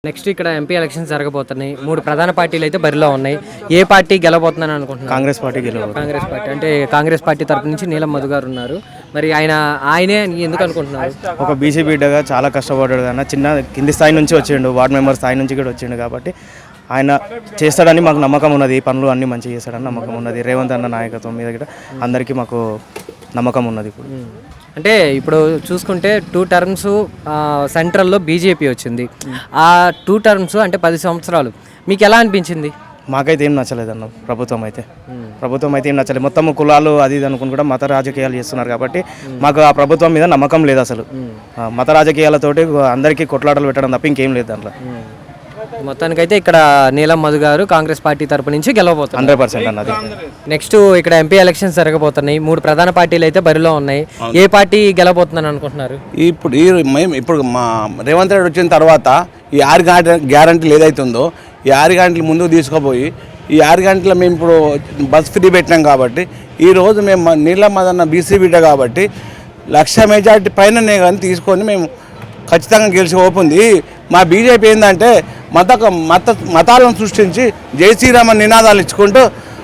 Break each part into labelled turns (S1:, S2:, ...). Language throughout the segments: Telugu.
S1: నెక్స్ట్ ఇక్కడ ఎంపీ ఎలక్షన్స్ జరగబోతున్నాయి. 3 ప్రధాన పార్టీలు అయితే బరిలో ఉన్నాయి. ఏ పార్టీ గెలవబోతుందని అనుకుంటున్నారు?
S2: కాంగ్రెస్ పార్టీ గెలవాలి.
S1: కాంగ్రెస్ పార్టీ అంటే కాంగ్రెస్ పార్టీ తరపు నుంచి నీలం మధు గారు ఉన్నారు. మరి ఆయనే ఎందుకు అనుకుంటున్నారు?
S2: ఒక బీసీ బిడ్డగా చాలా కష్టపడ్డాడు అన్న. చిన్న కింది స్థాయి నుంచి వచ్చిండు, వార్డు మెంబర్ స్థాయి నుంచి కూడా వచ్చిండు. కాబట్టి ఆయన చేస్తాడని మాకు నమ్మకం ఉన్నది. పనులు అన్నీ మంచిగా చేస్తాడని నమ్మకం ఉన్నది. రేవంత్ అన్న నాయకత్వం మీద కూడా అందరికీ మాకు నమ్మకం ఉన్నది. ఇప్పుడు
S1: అంటే ఇప్పుడు చూసుకుంటే 2 టర్మ్స్ సెంట్రల్లో బీజేపీ వచ్చింది. ఆ 2 టర్మ్స్ అంటే 10 సంవత్సరాలు మీకు ఎలా అనిపించింది?
S2: మాకైతే ఏం నచ్చలేదన్న. ప్రభుత్వం అయితే ఏం నచ్చలేదు. మొత్తం కులాలు అది ఇది అనుకుని కూడా మత రాజకీయాలు చేస్తున్నారు. కాబట్టి మాకు ఆ ప్రభుత్వం మీద నమ్మకం లేదు అసలు. మత రాజకీయాలతోటి అందరికీ కొట్లాటలు పెట్టడం తప్ప ఇంకేం లేదు దాంట్లో.
S1: మొత్తానికైతే ఇక్కడ నీలం మధు గారు కాంగ్రెస్ పార్టీ తరపు నుంచి గెలవబోతున్నారు
S2: 100% అన్నది.
S1: నెక్స్ట్ ఇక్కడ ఎంపీ ఎలక్షన్స్ జరగబోతున్నాయి. 3 ప్రధాన పార్టీలు అయితే బరిలో ఉన్నాయి. ఏ పార్టీ గెలవబోతుందని అనుకుంటున్నారు?
S3: ఇప్పుడు మా రేవంత్ రెడ్డి వచ్చిన తర్వాత ఈ 6 గ్యారంటీలు ఏదైతే ఉందో ఈ 6 గ్యారంటీలు ముందుకు తీసుకుపోయి ఈ 6 గంటల మేము ఇప్పుడు బస్ ఫ్రీ పెట్టినాం. కాబట్టి ఈరోజు మేము నీలం మదన్న బీసీ బిడ్డ కాబట్టి 1,00,000 మెజార్టీ పైననే కానీ తీసుకొని మేము ఖచ్చితంగా గెలిచి ఓపుంది. మా బీజేపీ ఏంటంటే మతాలను సృష్టించి జై శ్రీరామ నినాదాలు ఇచ్చుకుంటూ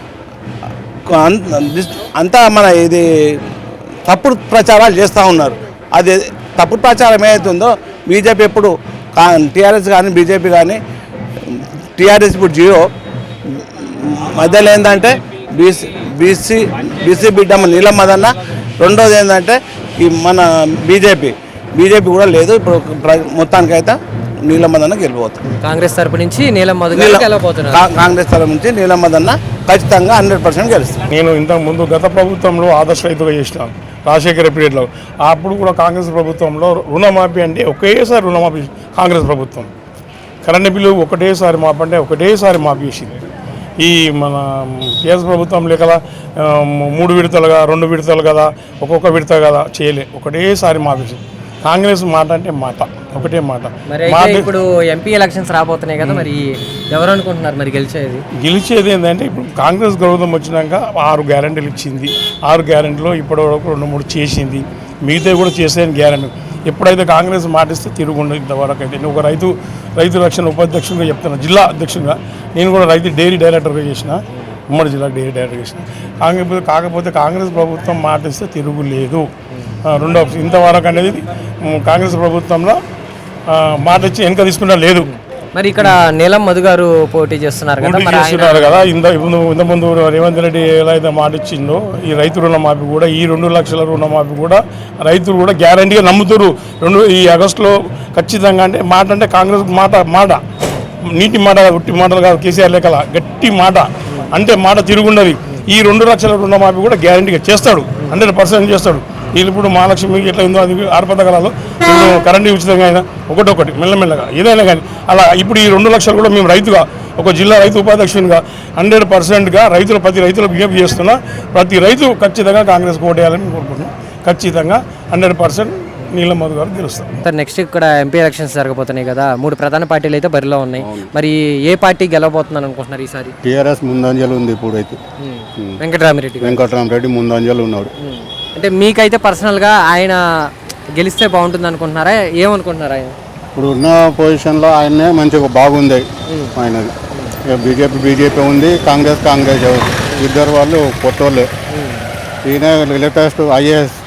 S3: అంతా మన ఇది తప్పుడు ప్రచారాలు చేస్తూ ఉన్నారు. అది తప్పుడు ప్రచారం ఏదైతుందో బీజేపీ ఎప్పుడు టీఆర్ఎస్ కానీ బీజేపీ కానీ టీఆర్ఎస్ ఇప్పుడు 0 మధ్యలో ఏంటంటే బీసీ బిడ్డ నీలం మదన్న. రెండోది ఏంటంటే ఈ మన బీజేపీ కూడా లేదు. ఇప్పుడు మొత్తానికైతే నీలం మదన్న గెలిపోతుంది.
S1: కాంగ్రెస్ తరపు నుంచి నీలం మధు గారు గెలవబోతున్నారు.
S3: కాంగ్రెస్ తరపు నుంచి నీలం మదన్న ఖచ్చితంగా 100% గెలుస్తుంది.
S4: నేను ఇంతకుముందు గత ప్రభుత్వంలో ఆదర్శ రైతుగా చేసినాను రాజశేఖర పీరియడ్లో. అప్పుడు కూడా కాంగ్రెస్ ప్రభుత్వంలో రుణమాఫీ అంటే ఒకేసారి రుణమాఫీ కాంగ్రెస్ ప్రభుత్వం. కరెంటు బిల్లు ఒకటేసారి మాఫీ అంటే ఒకటేసారి మాఫీ చేసింది. ఈ మన టీఆర్ఎస్ ప్రభుత్వం కదా 3 విడతలుగా 2 విడతలు కదా ఒక్కొక్క విడత కదా చేయలే, ఒకటేసారి మాఫీ. కాంగ్రెస్ మాట అంటే మాట ఒకటే మాట.
S1: ఇప్పుడు ఎంపీ ఎలక్షన్స్ రాబోతున్నాయి కదా, మరి ఎవరు అనుకుంటున్నారు మరి గెలిచేది
S4: ఏంటంటే ఇప్పుడు కాంగ్రెస్ ప్రభుత్వం వచ్చినాక 6 గ్యారెంటీలు ఇచ్చింది. 6 గ్యారెంటీలో ఇప్పటివరకు 2-3 చేసింది. మిగతా కూడా చేసేది గ్యారెంటీ. ఎప్పుడైతే కాంగ్రెస్ మాటిస్తే తిరుగుండదు. ఇంతవరకు అయితే నేను ఒక రైతు రక్షణ ఉపాధ్యక్షుడిగా చెప్తాను, జిల్లా అధ్యక్షుడిగా. నేను కూడా డైరీ డైరెక్టర్గా చేసిన, ఉమ్మడి జిల్లా డైరీ డైరెక్టర్ చేసిన. కాకపోతే కాంగ్రెస్ ప్రభుత్వం మాటిస్తే తిరుగులేదు. రెండో ఇంతవరకు అనేది కాంగ్రెస్ ప్రభుత్వంలో మాట ఇచ్చి వెనక తీసుకున్నా లేదు.
S1: మరి ఇక్కడ నీలం మధు గారు పోటీ చేస్తున్నారు
S4: కదా. ఇంతకుముందు రేవంత్ రెడ్డి ఎలా అయితే మాట ఇచ్చిందో ఈ రైతు రుణమాఫీ కూడా, ఈ 2 లక్షల రుణమాఫీ కూడా రైతులు కూడా గ్యారంటీగా నమ్ముతారు. ఈ ఆగస్టులో ఖచ్చితంగా. అంటే కాంగ్రెస్ మాట నీటి మాట, ఉట్టి మాటలు కాదు. కేసీఆర్ లెక్కల గట్టి మాట అంటే మాట తిరుగుండదు. ఈ 2 లక్షల రుణమాఫీ కూడా గ్యారంటీగా చేస్తాడు, 100% చేస్తాడు. వీళ్ళు ఇప్పుడు మహాలక్ష్మికి ఎట్లా ఉందో అది 6 పథకాలలో ఇప్పుడు కరెంటు ఉచితంగా అయినా ఒకటొకటి మెల్లమెల్లగా ఏదైనా కానీ అలా ఇప్పుడు ఈ 2 లక్షలు కూడా మేము రైతుగా, ఒక జిల్లా రైతు ఉపాధ్యక్షునిగా 100%గా ప్రతి రైతులకు విజ్ఞప్తి చేస్తున్నా. ప్రతి రైతు ఖచ్చితంగా కాంగ్రెస్ ఓటేయాలని కోరుకుంటున్నాం. ఖచ్చితంగా 100% నీలం మధు గారు గెలుస్తారు.
S1: సార్ నెక్స్ట్ ఇక్కడ ఎంపీ ఎలక్షన్స్ జరగబోతున్నాయి కదా, 3 ప్రధాన పార్టీలు అయితే బరిలో ఉన్నాయి. మరి ఏ పార్టీ గెలవబోతుందని అనుకుంటున్నారు ఈసారి?
S5: టీఆర్ఎస్ ముందంజలు ఉంది. ఇప్పుడు అయితే వెంకటరామరెడ్డి ముందంజలు ఉన్నాడు.
S1: అంటే మీకైతే పర్సనల్గా ఆయన గెలిస్తే బాగుంటుంది అనుకుంటున్నారా? ఏమనుకుంటున్నారా ఆయన?
S5: ఇప్పుడు ఉన్న పొజిషన్లో ఆయనే మంచిగా బాగుంది ఆయనది. బీజేపీ ఉంది, కాంగ్రెస్ ఇద్దరు వాళ్ళు కొత్తోళ్ళే. ఈయన లేటెస్ట్ ఐఏఎస్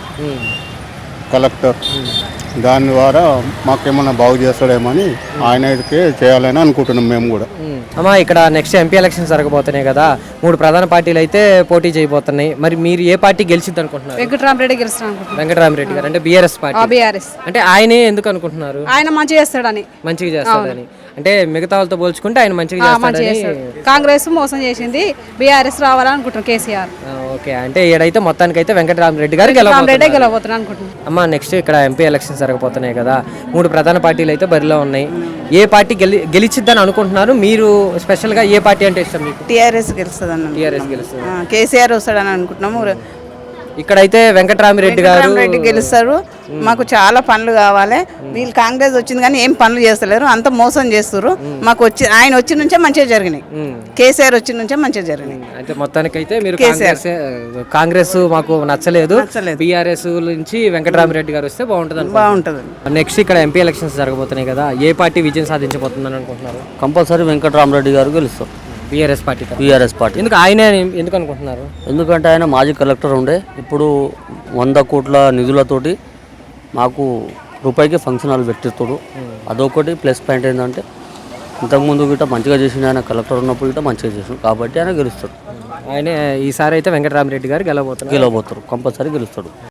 S5: కలెక్టర్, దాని ద్వారా మాకేమన్నా బాగు చేస్తాడేమని ఆయనకే చేయాలని అనుకుంటున్నాం మేము కూడా.
S1: అమ్మా ఇక్కడ నెక్స్ట్ ఎంపీ ఎలక్షన్స్ జరగబోతున్నాయి కదా, 3 ప్రధాన పార్టీలు అయితే పోటీ చేయబోతున్నాయి. మరి మీరు ఏ పార్టీ గెలిచిద్ది అనుకుంటున్నారు? వెంకటరామరెడ్డి గారు అంటే బీఆర్ఎస్ పార్టీ. అంటే ఆయనే ఎందుకు అనుకుంటున్నారు?
S6: ఆయన మంచిగా చేస్తాడని.
S1: అంటే మిగతా వాళ్ళతో పోల్చుకుంటే ఆయన మంచిగా చేస్తాడని.
S6: కాంగ్రెస్ మోసం చేసింది, బీఆర్ఎస్ రావాలనుకుంటున్నాం కేసీఆర్.
S1: ఓకే, అంటే ఏడైతే మొత్తానికి అయితే వెంకటరామరెడ్డి గారు
S6: గెలవబోతున్నారు అనుకుంటున్నాం.
S1: అమ్మా నెక్స్ట్ ఇక్కడ ఎంపీ ఎలక్షన్స్ జరగబోతున్నాయి కదా, 3 ప్రధాన పార్టీలు అయితే బరిలో ఉన్నాయి. ఏ పార్టీ గెలిచిద్దని అనుకుంటున్నారు మీరు? స్పెషల్ గా ఏ పార్టీ అంటే ఇష్టం మీకు?
S7: టీఆర్ఎస్ గెలుస్తుంది.
S1: టీఆర్ఎస్ గెలుస్తుంది.
S7: కేసీఆర్ వస్తాడని అనుకుంటున్నాము.
S1: ఇక్కడైతే వెంకటరామిరెడ్డి గారు
S7: రెడ్డి గెలుస్తారు. మాకు చాలా పనులు కావాలి. వీళ్ళు కాంగ్రెస్ వచ్చింది కానీ ఏం పనులు చేస్తలేరు, అంత మోసం చేస్తారు. మాకు ఆయన వచ్చిన నుంచే మంచిగా జరిగినాయి, కేసీఆర్ వచ్చిన నుంచే మంచిగా జరిగినాయి.
S1: అయితే మొత్తానికైతే మీరు కాంగ్రెస్ మాకు నచ్చలేదు, బీఆర్ఎస్ నుంచి వెంకటరామిరెడ్డి గారు వస్తే బాగుంటుంది.
S7: బాగుంటుంది.
S1: నెక్స్ట్ ఇక్కడ ఎంపీ ఎలక్షన్స్ జరగబోతున్నాయి కదా, ఏ పార్టీ విజయం సాధించబోతుందని అనుకుంటున్నారు?
S8: కంపల్సరీ వెంకటరామరెడ్డి గారు గెలుస్తారు.
S1: BRS party.
S8: బీఆర్ఎస్ పార్టీ
S1: ఎందుకు ఆయనే ఎందుకు అనుకుంటున్నారు?
S8: ఎందుకంటే ఆయన మాజీ కలెక్టర్ ఉండే, ఇప్పుడు 100 కోట్ల నిధులతోటి మాకు రూపాయికి ఫంక్షన్ హాల్ పెట్టిస్తాడు. అదొకటి ప్లస్ పాయింట్ ఏంటంటే ఇంతకుముందు గిట్ట మంచిగా చేసిన, ఆయన కలెక్టర్ ఉన్నప్పుడు గిట్ట మంచిగా చేసిన కాబట్టి ఆయన గెలుస్తాడు.
S1: ఆయనే ఈసారి అయితే వెంకటరామిరెడ్డి గారు గెలవబోతున్నారు.
S8: కంపల్సరీ గెలుస్తాడు.